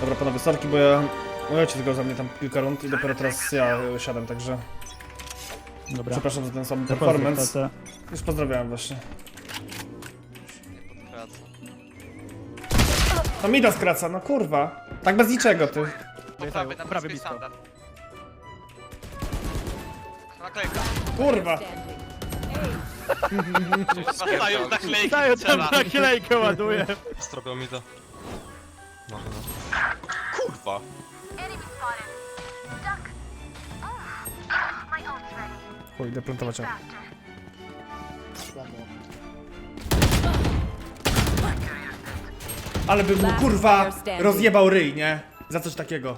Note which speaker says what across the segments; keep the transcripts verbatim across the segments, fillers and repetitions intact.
Speaker 1: Dobra panowie, sorki, bo ja... Ojciec tylko za mnie tam kilka rund i dopiero teraz ja y, siadam, także...
Speaker 2: Dobra.
Speaker 1: Przepraszam za ten sam
Speaker 2: Pozdrów,
Speaker 1: performance.
Speaker 2: tata.
Speaker 1: Już pozdrawiałem właśnie. No mida skraca, no kurwa. Tak bez niczego, ty.
Speaker 3: Po prawej, na
Speaker 2: prawie
Speaker 3: bliskiej
Speaker 2: blisko.
Speaker 3: standard. Naklejka.
Speaker 1: Kurwa.
Speaker 3: Zostają naklejki,
Speaker 2: Daję tam
Speaker 3: strzela.
Speaker 2: naklejkę, ładuję.
Speaker 4: Strobią mi to. Może no. Kurwa!
Speaker 5: Enemy spotted. Duck. Oh. My ult's ready.
Speaker 1: Chuj, idę plantować. o.
Speaker 5: Faster.
Speaker 1: Ale bym mu kurwa rozjebał ryj, nie? Za coś takiego.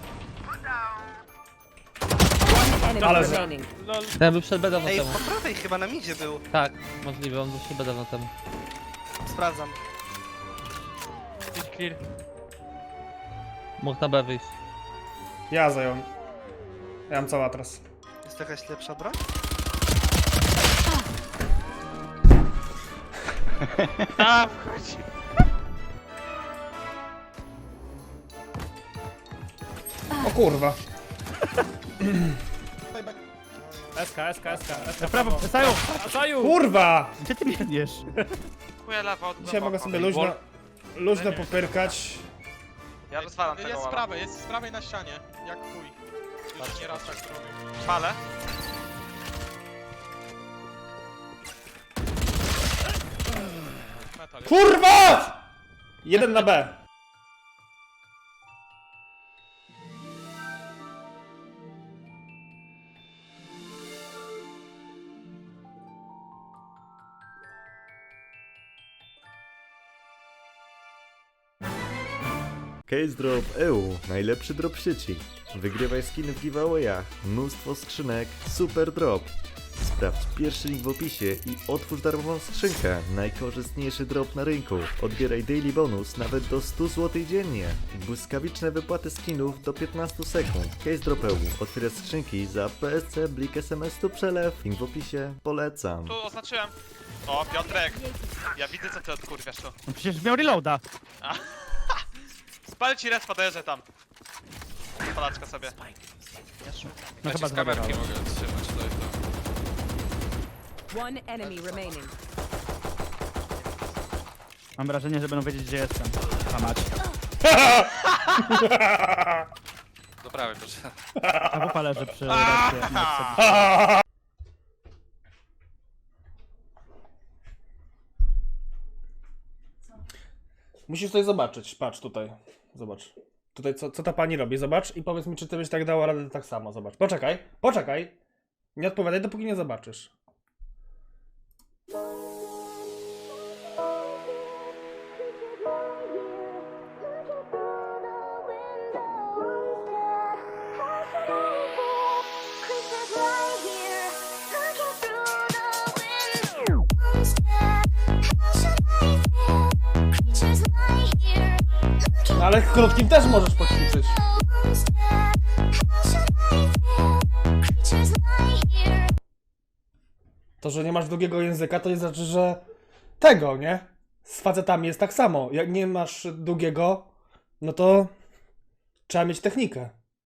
Speaker 1: Ale że...
Speaker 6: Ten był przed bedawno
Speaker 3: Ej,
Speaker 6: temu.
Speaker 3: po prawej chyba na midzie był.
Speaker 6: Tak, możliwe, on był przed bedawno temu.
Speaker 3: Sprawdzam.
Speaker 6: Clear. Mógł na B wyjść.
Speaker 1: Ja zająłem. Ja mam cały atras.
Speaker 3: Jest jakaś lepsza broń?
Speaker 6: A, wchodzi.
Speaker 1: O kurwa.
Speaker 7: SK, SK, SK, SK.
Speaker 2: Na prawo, Saju!
Speaker 7: Saju!
Speaker 1: Kurwa!
Speaker 2: Gdzie ty biegniesz?
Speaker 3: Chuja lewa od
Speaker 1: Dzisiaj mogę sobie luźno... Luźno popyrkać.
Speaker 3: Ja rozwalam tego
Speaker 8: Jest z
Speaker 3: walla.
Speaker 8: prawej, jest z prawej na ścianie. Jak chuj. Już nie raz tak zrobił.
Speaker 3: Palę.
Speaker 8: Metal jest.
Speaker 1: Kurwa! Jeden na B.
Speaker 9: Case Drop E U, najlepszy drop w sieci. Wygrywaj skiny w giveawayach, mnóstwo skrzynek, super drop. Sprawdź pierwszy link w opisie i otwórz darmową skrzynkę. Najkorzystniejszy drop na rynku. Odbieraj daily bonus nawet do stu złotych dziennie. Błyskawiczne wypłaty skinów do piętnastu sekund. Case Drop E U. Otwierasz skrzynki za P S C, Blik, S M S tu przelew. Link w opisie. Polecam.
Speaker 3: Tu oznaczyłem. O, Piotrek. Ja widzę co ty odkurwiasz tu.
Speaker 2: No przecież miał reloada.
Speaker 3: Spal ci res, podejrzę tam. Palaczka sobie.
Speaker 2: No chyba
Speaker 4: z kamerki
Speaker 2: zabawa.
Speaker 4: mogę trzymać, to jest to.
Speaker 10: One enemy remaining.
Speaker 2: Mam wrażenie, że będą wiedzieć, gdzie jestem. A mać.
Speaker 4: Do prawej, proszę.
Speaker 2: A wupa leży przy racie.
Speaker 1: Musisz coś zobaczyć. Patrz tutaj. Zobacz. Tutaj co, co ta pani robi? Zobacz i powiedz mi, czy ty byś tak dała radę tak samo. Zobacz. Poczekaj. Poczekaj. Nie odpowiadaj, dopóki nie zobaczysz. No, ale krótkim też możesz poćwiczyć. To, że nie masz długiego języka, to nie znaczy, że tego, nie? Z facetami jest tak samo. Jak nie masz długiego, no to trzeba mieć technikę.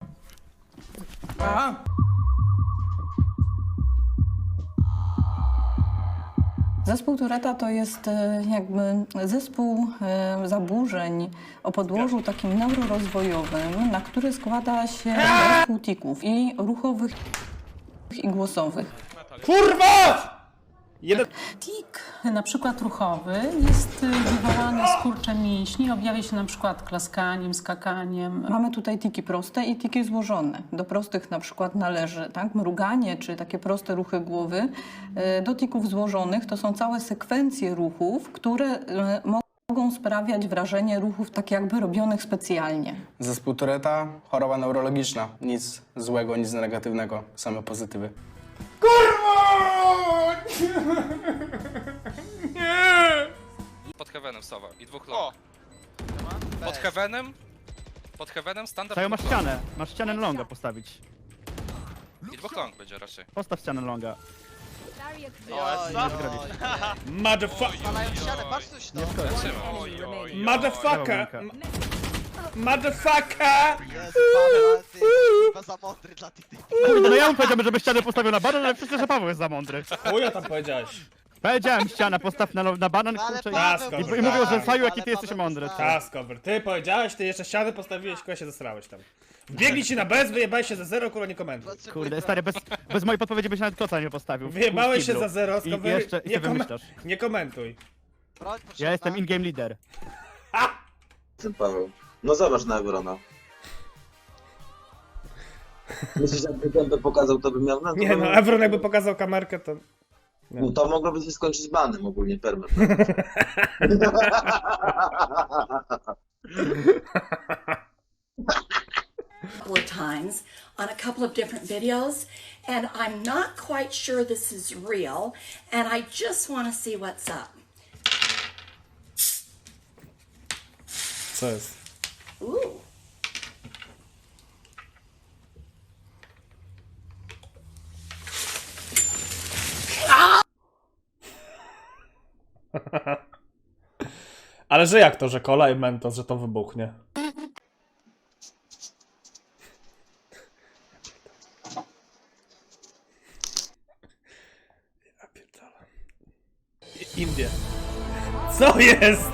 Speaker 10: Zespół Touretta to jest e, jakby zespół e, zaburzeń o podłożu takim neurorozwojowym, na który składa się zespół tików i ruchowych i głosowych.
Speaker 1: Kurwa! Jeden...
Speaker 11: Tik, na przykład ruchowy, jest wywołany skurczem mięśni, objawia się na przykład klaskaniem, skakaniem.
Speaker 10: Mamy tutaj tiki proste i tiki złożone. Do prostych na przykład należy tak, mruganie czy takie proste ruchy głowy. E, Do tików złożonych to są całe sekwencje ruchów, które e, mogą sprawiać wrażenie ruchów tak jakby robionych specjalnie.
Speaker 12: Zespół Touretta, choroba neurologiczna. Nic złego, nic negatywnego, same pozytywy.
Speaker 4: Pod heavenem sowa i dwóch
Speaker 3: O!
Speaker 4: long. Pod heavenem? Pod heavenem standard
Speaker 2: Saju, masz
Speaker 4: dwóch long.
Speaker 2: ścianę. Masz ścianę longa postawić.
Speaker 4: I dwóch long będzie raczej.
Speaker 2: Postaw ścianę longa.
Speaker 3: O, Essa?
Speaker 1: Motherfucker!
Speaker 3: Palają ścianę, patrz coś tam.
Speaker 4: Ja trzymam.
Speaker 1: Motherfucker!
Speaker 2: Lewo
Speaker 1: Motherfucker!
Speaker 8: Jezu, Paweł, ale ty jesteś chyba za mądry dla tych typów.
Speaker 2: Kurde, no ja mu powiedziałem, żeby ścianę postawił na banan, ale przecież że Paweł jest za mądry.
Speaker 1: Chuja tam powiedziałeś.
Speaker 2: Powiedziałem ściana, postaw na, na banan,
Speaker 8: Ale
Speaker 2: kurczę, i,
Speaker 8: Paweł
Speaker 1: i- i
Speaker 8: postawił,
Speaker 2: mówią, że Saju, jaki
Speaker 8: ale
Speaker 2: ty jesteś
Speaker 8: Paweł
Speaker 2: mądry.
Speaker 8: postawił.
Speaker 1: Taskover, ty powiedziałeś, ty jeszcze ściany postawiłeś, kurwa się zesrałeś tam. Wbiegli ci na bez, wyjebałeś się za zero, kurwa nie komentuj.
Speaker 8: Potrzebuję
Speaker 2: Kurde,
Speaker 8: trochę-
Speaker 2: stary, bez, bez mojej podpowiedzi byś nawet koca nie postawił.
Speaker 1: Wyjebałeś się
Speaker 2: Kiblu.
Speaker 1: za zero,
Speaker 2: I
Speaker 1: Skover,
Speaker 2: jeszcze, i
Speaker 1: nie,
Speaker 2: ty
Speaker 1: kom
Speaker 2: wymyślasz.
Speaker 1: nie komentuj.
Speaker 8: Broń potrzebna.
Speaker 2: Ja jestem in-game leader.
Speaker 4: Paweł. No zobacz na Evrona. Myślisz, jakby ten to pokazał, to by miał na
Speaker 1: Nie no, Evron jakby pokazał kamerkę, to...
Speaker 4: No to mogłoby się skończyć banem ogólnie, permet.
Speaker 5: Couple of times on a couple of different videos, and I'm not quite sure this is real, and I just want to see what's up.
Speaker 1: Co jest?
Speaker 5: Ooh.
Speaker 1: Ale że jak to, że cola i mentos, że to wybuchnie? Ja pierdolę. I- Indie. Co jest?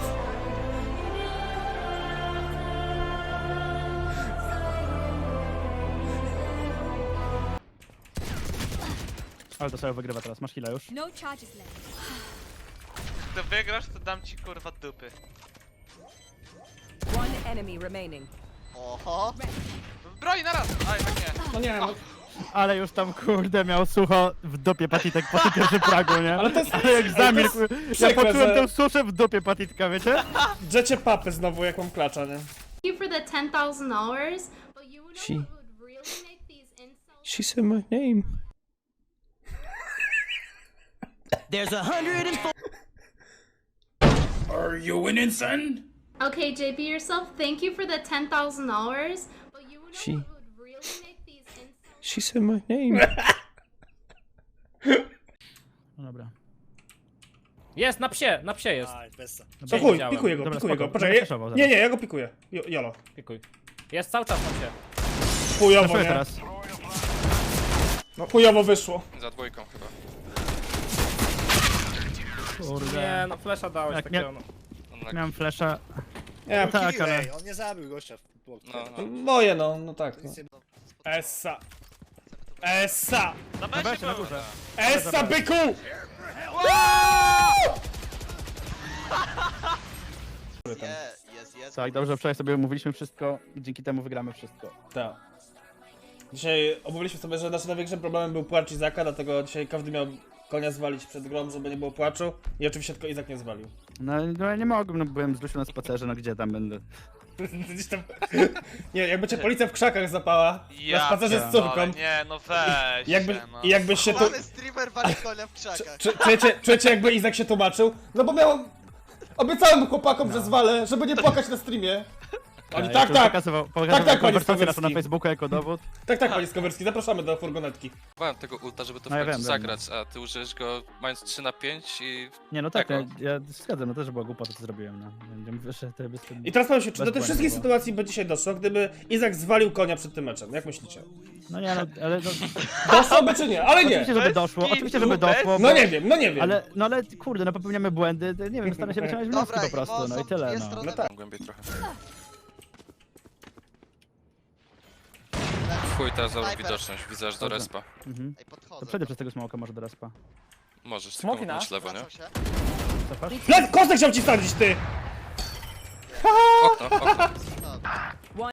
Speaker 2: Ale to sobie wygrywa teraz, masz chwilę już.
Speaker 5: No charges left.
Speaker 3: Gdy wygrasz, to dam ci kurwa dupy.
Speaker 5: One enemy remaining.
Speaker 8: Oho.
Speaker 3: Broń naraz! Aj, tak nie.
Speaker 1: No nie, no,
Speaker 2: Ale już tam kurde miał sucho w dupie patitek po tym pierwszym pragu, nie?
Speaker 1: ale to jest...
Speaker 2: Ale jak zamilkł, ja
Speaker 1: przykre,
Speaker 2: poczułem
Speaker 1: że-
Speaker 2: tę suszę w dupie patitka, wiecie?
Speaker 1: Drzecie papy znowu, jak mam klacza, nie?
Speaker 5: You for the ten thousand dollars, but you know
Speaker 1: She-
Speaker 5: what would really make these insults.
Speaker 1: She said my name.
Speaker 2: There's a hundred and four.
Speaker 1: Are you winning, son?
Speaker 5: Okay, J P yourself. Thank you for the ten thousand dollars, but you know
Speaker 1: She-
Speaker 5: what would really make these insults.
Speaker 1: She said my name.
Speaker 2: No dobra.
Speaker 7: Jest, na psie, na psie jest.
Speaker 1: To chuj,
Speaker 7: widziałem.
Speaker 1: pikuję go,
Speaker 2: Dobra,
Speaker 1: pikuję
Speaker 2: spoko,
Speaker 1: go. Poczekaj,
Speaker 2: będę flashował zaraz.
Speaker 1: nie, nie, ja go pikuję. Jo- Jolo.
Speaker 7: Pikuj. Jest cały czas na psie.
Speaker 1: Chujowo,
Speaker 2: Flashuję
Speaker 1: nie?
Speaker 2: teraz.
Speaker 1: No chujowo wyszło.
Speaker 3: Za dwójką chyba.
Speaker 2: Kurde.
Speaker 7: Nie, no flesza dałeś
Speaker 2: Jak
Speaker 7: takiego,
Speaker 2: nie-
Speaker 7: no.
Speaker 2: Miałem flasha.
Speaker 1: Nie,
Speaker 2: Tak, ale...
Speaker 4: on nie zabił gościa.
Speaker 3: No, no.
Speaker 1: moje no, no tak. No. Essa. Essa.
Speaker 3: Na
Speaker 2: Na
Speaker 3: besie
Speaker 2: besie, na
Speaker 3: był.
Speaker 2: górze.
Speaker 1: Essa, byku!
Speaker 8: Je, jest, jest.
Speaker 2: Tak, dobrze, wczoraj sobie mówiliśmy wszystko i dzięki temu wygramy wszystko.
Speaker 1: Tak. Dzisiaj omówiliśmy sobie, że naszym największym problemem był płacz Izaka, dlatego dzisiaj każdy miał konia zwalić przed grą, żeby nie było płaczu. I oczywiście tylko Izak nie zwalił.
Speaker 2: No, no ja nie mogłem, no byłem z Lusią na spacerze, no gdzie tam będę?
Speaker 1: Gdzieś tam... Nie, jakby cię policja w krzakach zapała, na spacerze z
Speaker 3: pierdolę,
Speaker 1: córką.
Speaker 3: Nie, no weź
Speaker 1: Jakby,
Speaker 3: się, no.
Speaker 1: i jakbyś się tu...
Speaker 8: Chłopany streamer wali konia w krzakach.
Speaker 1: Czy- Czujecie, czujecie jakby Izak się tłumaczył? No bo miałem... Obiecałem chłopakom, że zwalę, żeby nie płakać na streamie. Oni
Speaker 2: Ja
Speaker 1: tak,
Speaker 2: tu
Speaker 1: tak,
Speaker 2: Pokazywał, pokazywał
Speaker 1: tak, panie
Speaker 2: konwersację naszą na
Speaker 1: Skowyrski.
Speaker 2: Facebooku jako dowód.
Speaker 1: tak, tak, panie Skowyrski, zapraszamy do furgonetki.
Speaker 3: Próbowałem tego ulta, żeby to w
Speaker 2: No ja
Speaker 3: końcu
Speaker 2: wiem,
Speaker 3: zagrać, a ty użyjesz go mając trzy na pięć i...
Speaker 2: Nie, no tak, ja,
Speaker 3: Jako.
Speaker 2: ja zgadzam, no też była głupota, co zrobiłem, no. Ja mówię, że to jest...
Speaker 1: I teraz powiem się, czy do tych
Speaker 2: Bez
Speaker 1: wszystkich
Speaker 2: błędu,
Speaker 1: sytuacji by dzisiaj doszło, gdyby Izak zwalił konia przed tym meczem? Jak myślicie?
Speaker 2: No nie, no, ale no,
Speaker 1: Doszłoby czy nie? Ale nie!
Speaker 2: oczywiście, żeby
Speaker 3: Bez
Speaker 2: doszło,
Speaker 3: kitu,
Speaker 2: oczywiście, żeby
Speaker 3: bez-
Speaker 2: doszło,
Speaker 1: No
Speaker 2: bo-
Speaker 1: nie wiem, no nie wiem.
Speaker 2: Ale, no ale kurde, no popełniamy błędy, to nie wiem, staram się wyciągnąć wnioski
Speaker 8: Dobra,
Speaker 2: po prostu,
Speaker 8: Imo,
Speaker 2: no i
Speaker 8: są
Speaker 2: tyle,
Speaker 8: dwie
Speaker 2: no.
Speaker 8: strony
Speaker 1: No tak.
Speaker 3: Głębiej trochę. Chuj, teraz zrobił
Speaker 8: Snajper.
Speaker 3: widoczność, widzę aż do
Speaker 2: Dobrze.
Speaker 3: respa.
Speaker 2: Mhm.
Speaker 8: Ej,
Speaker 2: To
Speaker 8: podchodzę.
Speaker 2: przejdę przez tego smoka może do respa.
Speaker 3: Możesz, tylko
Speaker 7: Smoki na?
Speaker 3: mocnąć lewo, nie?
Speaker 8: Wracam się.
Speaker 2: Cofasz?
Speaker 1: Plec, kostek chciał ci wsadzić, ty!
Speaker 3: Okno, okno.
Speaker 8: No,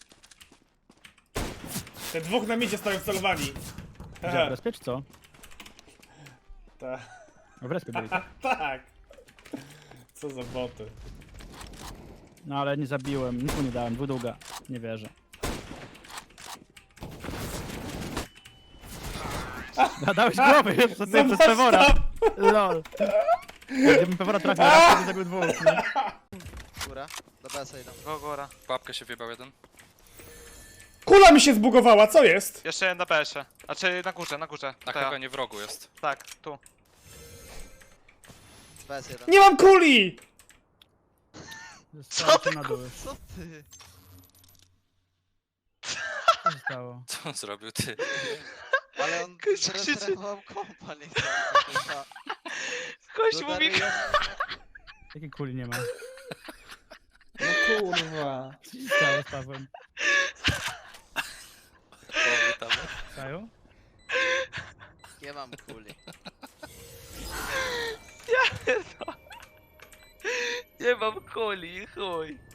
Speaker 1: Te dwóch na midzie stoją wcelowani.
Speaker 2: Gdzie, w respie czy co?
Speaker 1: Ta-
Speaker 2: W respie byli.
Speaker 1: Tak. Co za boty.
Speaker 2: No ale nie zabiłem, nic mu nie dałem, dwudługa. Nie wierzę. A, dałeś głowy jeszcze ty przez
Speaker 1: Zobacz
Speaker 2: Pewora.
Speaker 1: tam.
Speaker 2: Lol. Gdybym Pewora trafił raz, to by zabił dwóch, nie?
Speaker 8: góra. Do B S idą.
Speaker 3: Go, góra. Babkę się wjebał jeden.
Speaker 1: Kula mi się zbugowała, co jest?
Speaker 3: Jeszcze jeden na B S-ie. Znaczy na górze, na górze. Na
Speaker 6: Tak,
Speaker 3: chyba nie w rogu jest. Tak, tu.
Speaker 8: B S jeden.
Speaker 1: Nie mam kuli!
Speaker 2: Zostałem na dół.
Speaker 8: Co ty?
Speaker 2: Co się stało?
Speaker 4: Co on zrobił, ty?
Speaker 8: Ale on
Speaker 4: Gość krzyczy.
Speaker 8: zresetował kompa, nie chciał.
Speaker 4: Gość mówi...
Speaker 2: Jakiej kuli nie ma?
Speaker 1: No kurwa.
Speaker 2: Co się stało z Pawłem?
Speaker 4: O, tam.
Speaker 2: Saju?
Speaker 8: Nie mam kuli.
Speaker 4: Nie mam kuli, chuj.